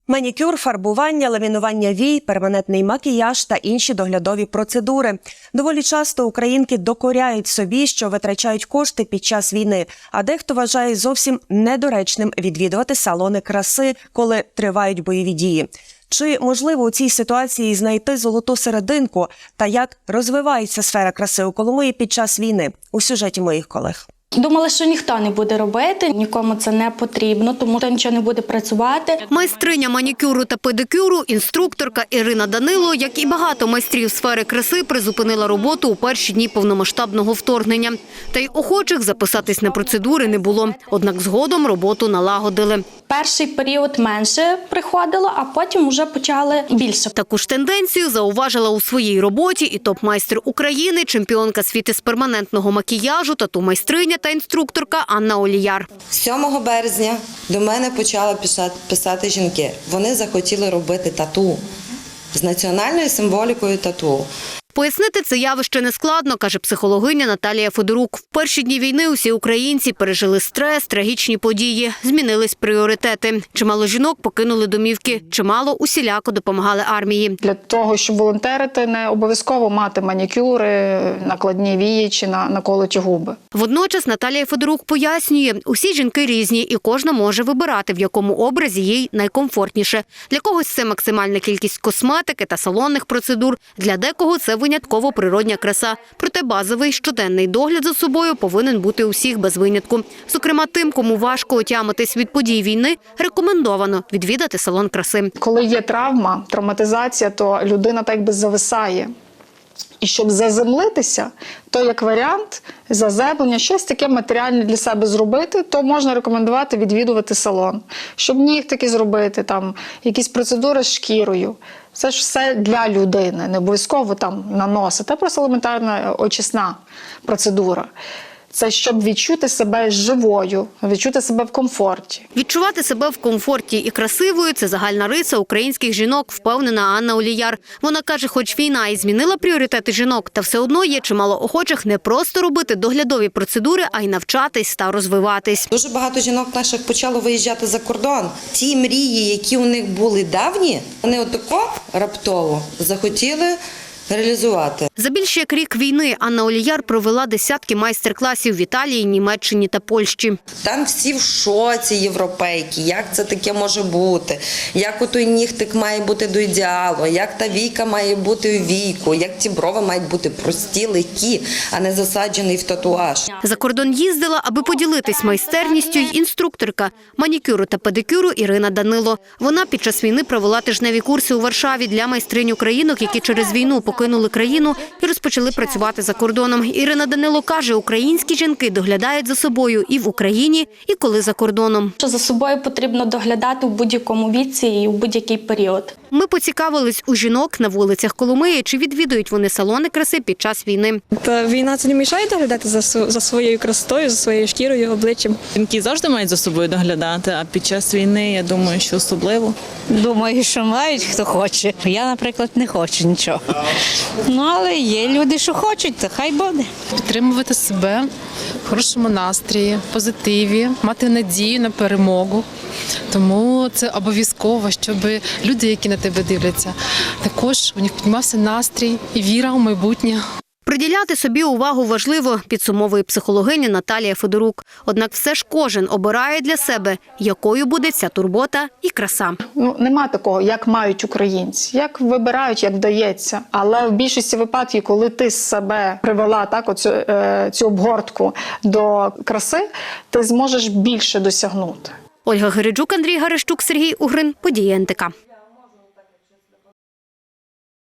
Манікюр, фарбування, ламінування вій, перманентний макіяж та інші доглядові процедури. Доволі часто українки докоряють собі, що витрачають кошти під час війни, а дехто вважає зовсім недоречним відвідувати салони краси, коли тривають бойові дії. Чи можливо у цій ситуації знайти золоту серединку та як розвивається сфера краси у Коломиї під час війни? У сюжеті моїх колег. Думали, що ніхто не буде робити, нікому це не потрібно, тому що нічого не буде працювати. Майстриня манікюру та педикюру, інструкторка Ірина Данило, як і багато майстрів сфери краси, призупинила роботу у перші дні повномасштабного вторгнення. Та й охочих записатись на процедури не було. Однак згодом роботу налагодили. Перший період менше приходило, а потім вже почали більше. Таку ж тенденцію зауважила у своїй роботі і топ-майстер України, чемпіонка світу з перманентного макіяжу, тату-майстриня та інструкторка Анна Оліяр. 7 березня до мене почали писати жінки. Вони захотіли робити тату з національною символікою тату. Пояснити це явище нескладно, каже психологиня Наталія Федорук. В перші дні війни усі українці пережили стрес, трагічні події, змінились пріоритети. Чимало жінок покинули домівки, чимало усіляко допомагали армії. Для того, щоб волонтерити, не обов'язково мати манікюри, накладні вії чи наколоті губи. Водночас Наталія Федорук пояснює, усі жінки різні і кожна може вибирати, в якому образі їй найкомфортніше. Для когось це максимальна кількість косметики та салонних процедур, для декого це винятково природня краса. Проте базовий щоденний догляд за собою повинен бути у всіх без винятку. Зокрема, тим, кому важко отямитись від подій війни, рекомендовано відвідати салон краси. Коли є травма, травматизація, то людина так би зависає. І щоб заземлитися, то як варіант заземлення, щось таке матеріальне для себе зробити, то можна рекомендувати відвідувати салон. Щоб нігтики зробити, там, якісь процедури з шкірою. Це ж все для людини, не обов'язково там наносити, а просто елементарна очисна процедура. Це щоб відчути себе живою, відчути себе в комфорті. Відчувати себе в комфорті і красивою – це загальна риса українських жінок, впевнена Анна Оліяр. Вона каже, хоч війна і змінила пріоритети жінок, та все одно є чимало охочих не просто робити доглядові процедури, а й навчатись та розвиватись. Дуже багато жінок наших почало виїжджати за кордон. Ті мрії, які у них були давні, вони отако раптово захотіли реалізувати. За більше як рік війни Анна Оліяр провела десятки майстер-класів в Італії, Німеччині та Польщі. Там всі в шоці європейки, як це таке може бути, як отой нігтик має бути до ідеалу, як та війка має бути у війку, як ті брови мають бути прості, легкі, а не засаджений в татуаж. За кордон їздила, аби поділитись майстерністю, й інструкторка манікюру та педикюру Ірина Данило. Вона під час війни провела тижневі курси у Варшаві для майстринь українок, які через війну покинули країну і розпочали працювати за кордоном. Ірина Данило каже, українські жінки доглядають за собою і в Україні, і коли за кордоном. За собою потрібно доглядати у будь-якому віці і у будь-який період. Ми поцікавились у жінок на вулицях Коломиї, чи відвідують вони салони краси під час війни. Війна це не мішає доглядати за своєю красотою, за своєю шкірою, обличчям. Жінки завжди мають за собою доглядати, а під час війни, я думаю, що особливо. Думаю, що мають, хто хоче. Я, наприклад, не хочу нічого. Ну, але є люди, що хочуть, то хай буде. Підтримувати себе в хорошому настрої, позитиві, мати надію на перемогу. Тому це обов'язково, щоб люди, які на тебе дивляться, також у них піднімався настрій і віра у майбутнє. Приділяти собі увагу важливо, підсумовує психологиня Наталія Федорук. Однак все ж кожен обирає для себе, якою буде ця турбота і краса. Нема такого, як мають українці, як вибирають, як вдається. Але в більшості випадків, коли ти з себе привела цю обгортку до краси, ти зможеш більше досягнути. Ольга Гереджук, Андрій Гарещук, Сергій Угрин. Події НТК.